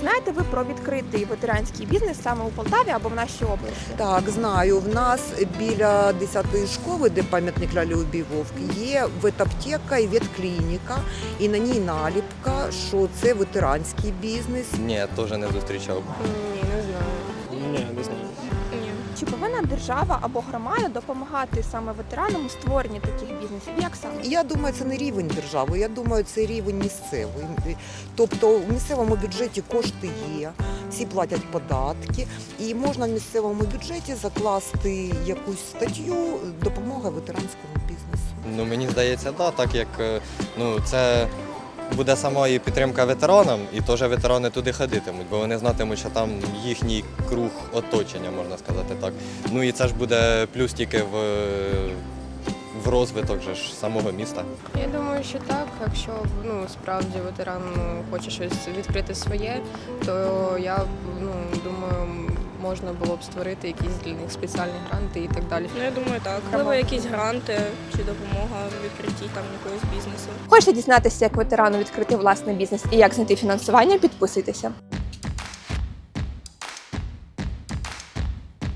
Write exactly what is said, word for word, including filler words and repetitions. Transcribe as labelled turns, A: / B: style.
A: знаєте ви про відкритий ветеранський бізнес саме у Полтаві або в нашій області?
B: Так, знаю. В нас біля десятої школи, де пам'ятник Лялі Убійвовки, є ветаптека і ветклініка, і на ній наліпка, що це ветеранський бізнес.
C: Ні, теж не зустрічав.
D: Ні, не знаю.
E: Ні, не знаю.
D: Ні.
A: Чи повинна держава або громада допомагати саме ветеранам у створенні таких бізнесів? Як саме?
B: Я думаю, це не рівень держави, я думаю, це рівень місцевий. Тобто в місцевому бюджеті кошти є, всі платять податки, і можна в місцевому бюджеті закласти якусь статтю «Допомога ветеранському бізнесу».
C: Ну, мені здається, да, так як е, ну, це буде сама і підтримка ветеранам, і теж ветерани туди ходитимуть, бо вони знатимуть, що там їхній круг оточення, можна сказати так. Ну і це ж буде плюс тільки в, в розвиток же ж самого міста.
D: Я думаю, що так. Якщо ну справді ветеран ну, хоче щось відкрити своє, то я ну думаю, можна було б створити якісь для них спеціальні гранти і так далі.
F: Ну, я думаю, так. Можливо, якісь гранти чи допомога в відкритті там якогось бізнесу.
A: Хочете дізнатися, як ветерану відкрити власний бізнес і як знайти фінансування? Підписуйтеся.